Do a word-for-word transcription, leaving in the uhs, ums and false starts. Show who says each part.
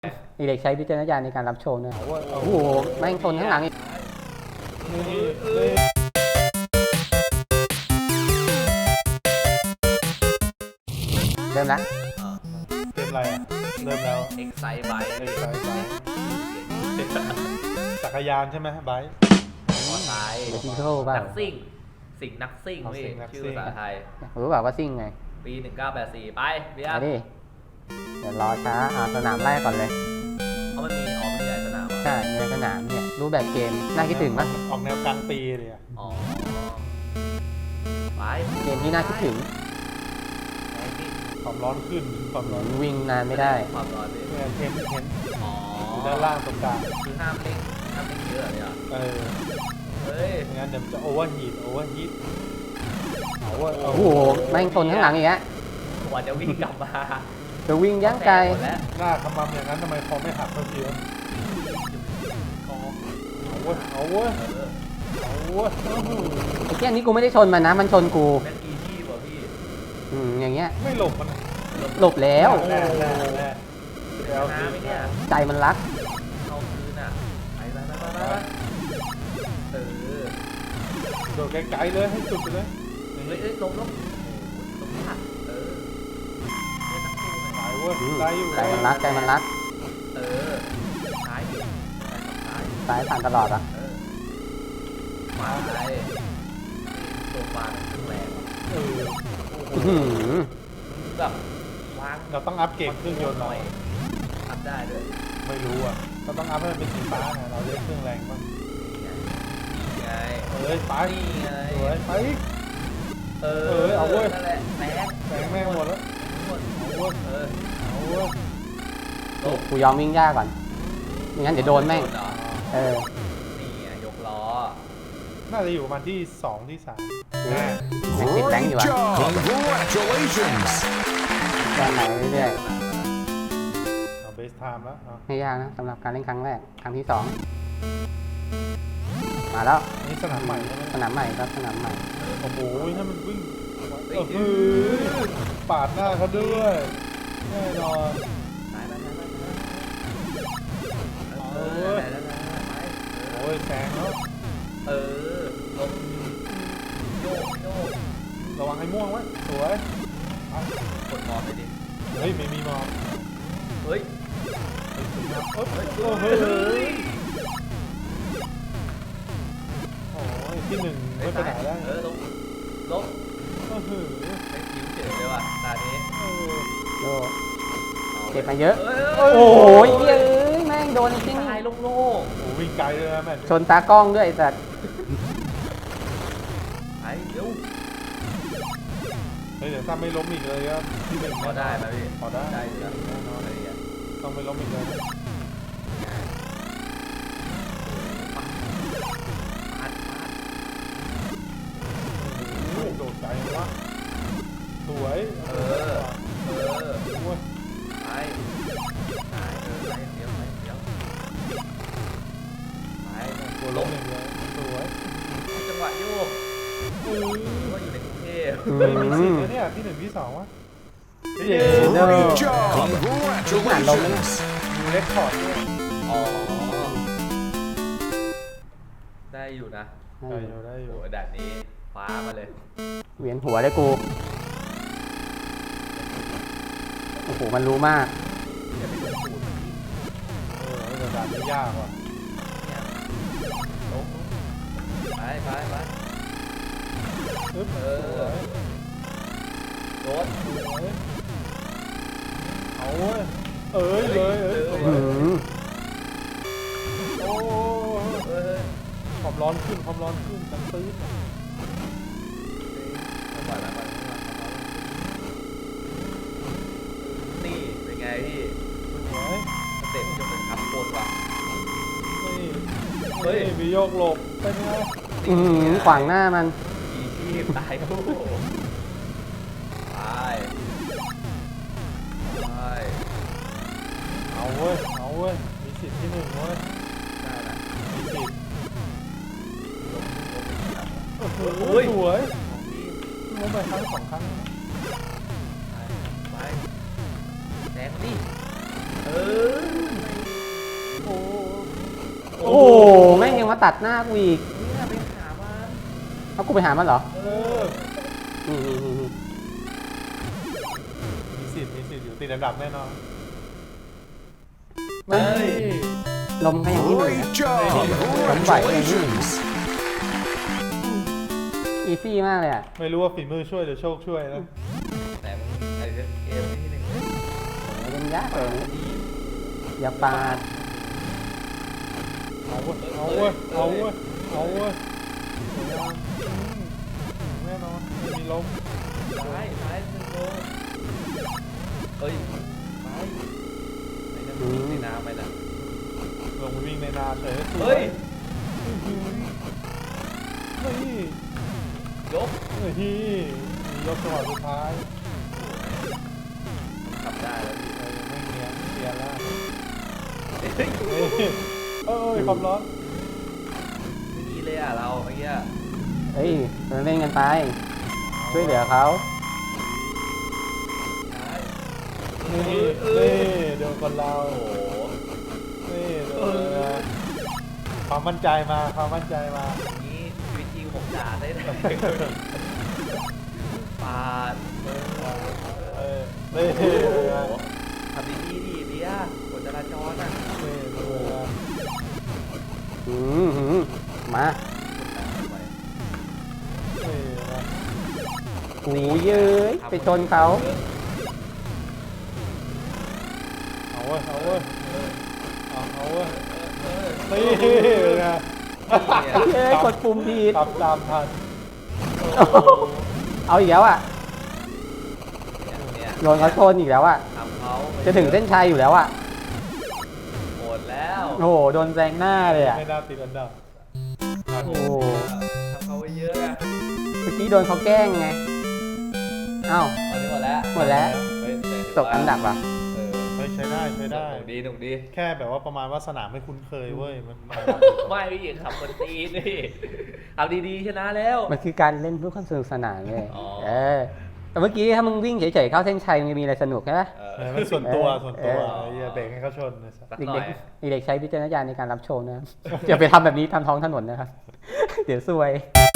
Speaker 1: อีเล็กใช้วิจารณญาณในการรับชมนะโอ้โหแม่งชนข้างหลังอีกเริ่มละ
Speaker 2: เต็มอะไรอ่ะเริ่มแล้ว
Speaker 3: เอ็กไซไบค์
Speaker 2: เอ็กไซส์ไบค์จักรยานใช่ไหมไบค์
Speaker 3: มอไซค์
Speaker 1: เดี๋ยวที่เข้าบ้า
Speaker 3: นักซิ่งสิ่งนักซิ่ง
Speaker 2: เอา
Speaker 3: พี่
Speaker 2: สิ่งนัก
Speaker 3: ชื่อ
Speaker 2: ซิ่ง
Speaker 3: ภาษาไทย
Speaker 1: รู้เปล่าว่าซิ่งไง
Speaker 3: ปีหนึ่งเก้าแปดสี่ไปเบีย
Speaker 1: มา
Speaker 3: ร์
Speaker 1: ดิเดี๋ยวรอช้าอ่าสนามแรกก่อนเลย
Speaker 3: เขามันมีอ๋อมันมีหลายสนามอ่ะ
Speaker 1: ใช่ในสนามเนี่ยรูปแบบเกมน่าคิดถึงปะ
Speaker 2: ออกแนวกลางปีเลยอ่ะ
Speaker 3: อ๋อไป
Speaker 1: เกมที่น่าคิดถึง
Speaker 3: ไปพี่
Speaker 2: ความร้อนขึ้นความร้อน
Speaker 1: วิ่งนานไม่ได้
Speaker 3: ความร้อนพี่
Speaker 2: เนี่ยเทมเทม
Speaker 3: อ๋อ
Speaker 2: อยู่ด้านล่างตรงกลาง
Speaker 3: คือห้ามเล่นห้ามเล่นเยอะเลยอ่ะ
Speaker 2: เออ
Speaker 3: เฮ้ย
Speaker 2: ไม่งั้นเดี๋ยวมันจะโอเวอร์ฮีทโอเวอร์ฮีทเอาเว้ย
Speaker 1: โอ้โหแม่งชนข้างหลังอีกแล้ว
Speaker 3: กว่าจะวิ่งกลับมา
Speaker 1: จะวิ่งยั้งไกล
Speaker 3: หมดแล้ว
Speaker 2: หน้าขมำอย่างนั้นทำไมคอไม่หักสักทีวะ
Speaker 3: คอ
Speaker 2: เอาเว้ยเอาเว้ย
Speaker 3: เออ
Speaker 2: เอาเว้ย
Speaker 1: ไอ้เกี้ยนี้กูไม่ได้ชนมันนะมันชนกู
Speaker 3: แม่งอีที่ป่ะพี่
Speaker 1: อืมอย่างเงี้ย
Speaker 2: ไม่หลบมัน
Speaker 1: หลบแล้ว
Speaker 2: แน่แน่แน่
Speaker 3: ชนะไหมเนี่ย
Speaker 1: ใจมันรัก
Speaker 3: เข้าคืนอ่ะไปไปไปไปไปเออ
Speaker 2: โดดไกลๆเลยให้สุดไปเลย
Speaker 3: เฮ้ยเอ้ยลงลงลงยากเออเล่นนักสู้หน่อย
Speaker 2: ตายเว้ย
Speaker 1: อืม
Speaker 2: ได้อยู่
Speaker 1: ใจมันรักใจมันรัก
Speaker 3: เออซ้ายดิซ้ายกับซ้าย
Speaker 1: ซ้ายผ่านตลอดอ่ะ
Speaker 3: เออขวาไปตัวขวาเป็นเครื่องแรงว่ะ
Speaker 2: เออ
Speaker 1: อื้อหือ
Speaker 3: แบบวาง
Speaker 2: เราต้องอัพเกรดเครื่องยนต์
Speaker 3: ห
Speaker 2: ห
Speaker 3: น่
Speaker 2: น่
Speaker 3: อ
Speaker 2: อย ย
Speaker 3: ทำได้ด้วย
Speaker 2: ไม่รู้อ่ะเราต้องอัพให้มันเป็นสีฟ้าไงเราเล่นเครื่องแรงบ้าง
Speaker 3: นี่ไงนี่ไง
Speaker 2: เอ้ยไป
Speaker 3: นี่ไง
Speaker 2: สวยไป
Speaker 3: เออ
Speaker 2: เออเอาเว้ย
Speaker 3: นั่นแหละแตก
Speaker 2: แสงแม่งหมดแล้ว
Speaker 3: หมด
Speaker 2: เอาเว้ย
Speaker 3: เออ
Speaker 2: เอาเว้ย
Speaker 3: ลง
Speaker 1: กูยอมวิ่งยากก่อนไม่งั้นเดี๋ยวโดนแม่ง
Speaker 3: เหรอ
Speaker 1: เออ
Speaker 3: นี่ไงยกล้อ
Speaker 2: น่าจะอยู่ประมาณที่สองที่สาม
Speaker 1: แม่
Speaker 2: แน่
Speaker 1: งติดแรงอยู่อ่ะ
Speaker 4: Congratulations!
Speaker 1: ก็ไหลเรื่อย
Speaker 2: เอาเบสไทม์แล้วเอา
Speaker 1: ๆไม่ยากนะสำหรับการเล่นครั้งแรกครั้งที่สองมาแล้ว
Speaker 2: นี่สนามใหม่ใช่ไหม
Speaker 1: สนามใหม่ครับสนามใหม่
Speaker 2: โอ้โหถ้ามันวิ่งเออหือปาดหน้าเขาด้วยแน่นอน
Speaker 3: ไปไปไปไป
Speaker 2: เอา
Speaker 3: เอ
Speaker 2: เว้
Speaker 3: อย ไปไป
Speaker 2: โอ้ยแซงแล้ว
Speaker 3: เออลงโยกโยก
Speaker 2: ระวังไอ้ม่วงไว้สวยเอา
Speaker 3: กดมอไปดิ
Speaker 2: เฮ้ยไม่มีมอง
Speaker 3: เฮ้ย
Speaker 2: เฮ้ยโอ้ยโอ้โหโอ้ยที่หนึ่งไม่ไปไหนได้
Speaker 3: เออลงลง
Speaker 2: โอ้โห
Speaker 3: ไม่ยิ้มเฉยเลยว่ะตานี้
Speaker 2: เออ
Speaker 1: โยเก็บมาเยอะ
Speaker 3: โอ้
Speaker 1: โอ้ยเอ้ยแม่งโดนจริง
Speaker 3: ตายโล่ง
Speaker 2: โอ้โหวิ่งไกลเลยนะแม่
Speaker 1: ชนตากล้องด้วยไอ้สัตว์
Speaker 3: ๆไปเร็ว
Speaker 2: เฮ้ยเดี๋ยวถ้าไม่ล้มอีกเลยก็ที่หนึ่ง
Speaker 3: พอได้ไหมพี่
Speaker 2: พอได้
Speaker 3: ได้อยู่แล้ว
Speaker 2: แน่นอน
Speaker 3: อะไรอย่างเงี้ย
Speaker 2: ต้องไม่ล้มอีกเลยนะ
Speaker 3: ปาดปาด
Speaker 2: โอ้โหโดดไกลเลยวะสวย
Speaker 3: เออเออ
Speaker 2: โอ้ย
Speaker 3: ไปไปเออไปเดี๋ยวไปเดี๋ยวไป
Speaker 2: ตัวล้มอย่างเดียวสวย
Speaker 3: จังหวะโยก
Speaker 2: เออ
Speaker 3: ว่าอยู่ในกรุงเทพ
Speaker 1: อื
Speaker 2: เฮ้ยมีสิทธิ์
Speaker 1: ม
Speaker 2: นะเนี่ยที่หนึ่งที่สองวะ
Speaker 1: เย้
Speaker 4: Great job! Congratulations!
Speaker 2: มีเรคคอร์ดด้วย
Speaker 3: อ๋อได้อยู่นะ
Speaker 2: ได้อยู่ได้อ
Speaker 3: โห
Speaker 2: ยู่
Speaker 3: ด่านนี้ฟ้ามาเลย
Speaker 1: เวียนหัวเลยกู โอ้โห มันรู้มาก
Speaker 3: อย่าไปโดนสูตรมันอีก
Speaker 2: เออแต่ด่านนี้ยากว่ะ
Speaker 3: เนี่ยลงไปไปไป
Speaker 2: ปึ๊บ
Speaker 3: เอ
Speaker 2: ส
Speaker 3: อ
Speaker 2: วย
Speaker 3: รถ
Speaker 2: สวยเอาเว้ยเอ้ยเลยเอ้ยสว
Speaker 1: อื
Speaker 2: ย
Speaker 1: ม
Speaker 2: โอ้
Speaker 3: เออ
Speaker 2: ความร้อนขึ้นความร้อนขึ้นดังตื้น
Speaker 3: เอาก่อนนะก่อนนะก่อนนะนี่เป็นไงพี่
Speaker 2: สวย
Speaker 3: สเต็ปจะเป็นทับโคนว่ะ
Speaker 2: นี่
Speaker 3: เฮ้ย
Speaker 2: นี่มีโยกหลบเป็นไง
Speaker 1: อืมขวางหน้ามัน
Speaker 3: อีชีพตายคู่ไปไป
Speaker 2: เอาเว้ยเอาเว้ยมีสิทธิ์ที่หนึ่งเว้ย
Speaker 3: ได้นะ
Speaker 2: มีสิทธิ์
Speaker 3: ลงลงไปที่หลัง
Speaker 2: โอ้โห
Speaker 3: โอ้ย
Speaker 2: สวย
Speaker 3: ของพี่
Speaker 2: ล้มไปครั้งสองครั้ง
Speaker 3: ไปไปแดงดิเออ
Speaker 1: โอ้โอ้แม่งยังมาตัดหน้ากูอีก
Speaker 3: เนี่ยไปหามัน
Speaker 1: เอากูไปหามันเหรอ
Speaker 2: เออ
Speaker 1: อืมอืมอืมอืม
Speaker 2: มีสิทธิ์มีสิทธิ์อยู่ติดอันดับแน่นอน
Speaker 1: เฮ้ย ลมก็อย่างนี้เลย
Speaker 4: Great job. Congratulations.
Speaker 1: อีซี่มากเลยอ่ะ
Speaker 2: ไม่รู้ว่าฝีมือช่วยหรือโชคช่วยนะ
Speaker 3: แต่มึงไอ้เรื่องเกมที่หนึ่ง
Speaker 1: โอ้ยมันยากเลยนะอย่าปาด
Speaker 2: เอาเว้ยเอาเว้ยเอาเว้ยเอาเว้ยสวยงามแน่นอนไม่มีล้ม
Speaker 3: ซ้ายซ้ายหนึ่งโลเฮ้ยไปไอ้นั่นมันวิ่งในน้ำไปนะ
Speaker 2: ลงไปวิ่งในนาเฉย
Speaker 3: เฮ้ย
Speaker 2: เฮ้ย
Speaker 3: ยก
Speaker 2: เฮ้ยมียกจังหวะสุดท้าย
Speaker 3: ขับได้แล้วพี่
Speaker 2: เออไม่เนียนเนียนแล้ว
Speaker 3: เฮ้ย
Speaker 2: เฮ้ยเอ้ยความร้อน
Speaker 3: ไม่ดีเลยอ่ะเราเมื่อกี้
Speaker 1: เฮ้ยเราเล่นกันไป ช่วยเหลือเขา
Speaker 3: ซ้าย
Speaker 2: นี่นี่เดี๋ยวคนเรา
Speaker 3: โอ้โห
Speaker 2: นี่เดี๋ยวนะความมั่นใจมาความมั่นใจมา
Speaker 3: อย่างนี้ชีวิตจริงผมด่าได้เลยปาด
Speaker 2: เออนี่
Speaker 3: โอ้
Speaker 2: นี่
Speaker 3: โห
Speaker 2: นะ
Speaker 3: ทำดีๆดิเบียร์กฎจราจรอ่ะ
Speaker 2: นี่ดูนะ
Speaker 1: อืมหืมมา
Speaker 2: นี่นะ
Speaker 1: โอ้ยเย้ยไปชนเขา
Speaker 2: เอาเว้ยเอาเว้ยเอาเอาเว้ย
Speaker 3: เออ
Speaker 2: นี่นะ
Speaker 1: เย้ยกดปุ่มผิด
Speaker 2: ขับตามทัน
Speaker 1: เอาอีกแล้วอ่ะ
Speaker 3: เนี่ย
Speaker 1: โดนเขาชนอีกแล้วอ่ะ
Speaker 3: ทำเขา
Speaker 1: จะถึงเส้นชัยอยู่แล้วอ่ะ
Speaker 3: โหดแล้ว
Speaker 1: โอ้โห โดนแซงหน้าเลยอ่ะ
Speaker 2: ไม่น่าติดอันดับ
Speaker 1: โอ้โห
Speaker 3: ทำเขาไปเยอะอะ
Speaker 1: เมื่อกี้โดนเขาแกล้งไง เอ้า
Speaker 3: ตอนนี้หมดแล้ว
Speaker 1: หมดแล้ว
Speaker 3: เฮ้ยแต่ถื
Speaker 1: ตกอันดับอ่ะ
Speaker 3: เออ
Speaker 2: เฮ้ยใช้ได้ใช้ได้
Speaker 3: หนุกดีหนุกดี
Speaker 2: แค่แบบว่าประมาณว่าสนามไม่คุ้นเคยเว้ยมันมัน
Speaker 3: ไม่พี่ขับคนตีนนี่เอาดีๆชนะแล้ว
Speaker 1: มันคือการเล่นเพื่อความสนุกสนานเลย
Speaker 3: อ๋อ
Speaker 1: เออ แต่เมื่อกี้ถ้ามึงวิ่งเฉยๆเข้าเส้นชัยมันจะมีอะไรสนุกใช่ไหม
Speaker 3: เอ
Speaker 2: เอ
Speaker 3: อ
Speaker 2: อมันส่วนตัว
Speaker 1: เออ
Speaker 2: ส่วนตัว
Speaker 1: เออ
Speaker 2: อย่าเบรกให้เขาชนนะ
Speaker 3: สัก
Speaker 1: เด็
Speaker 3: หน่อก ย
Speaker 1: ๆเด็กๆใช้วิจารณญาณในการรับชมนะครับ อย่าไปทำแบบนี้ทำท้องถนนนะครับ เดี๋ยวซวย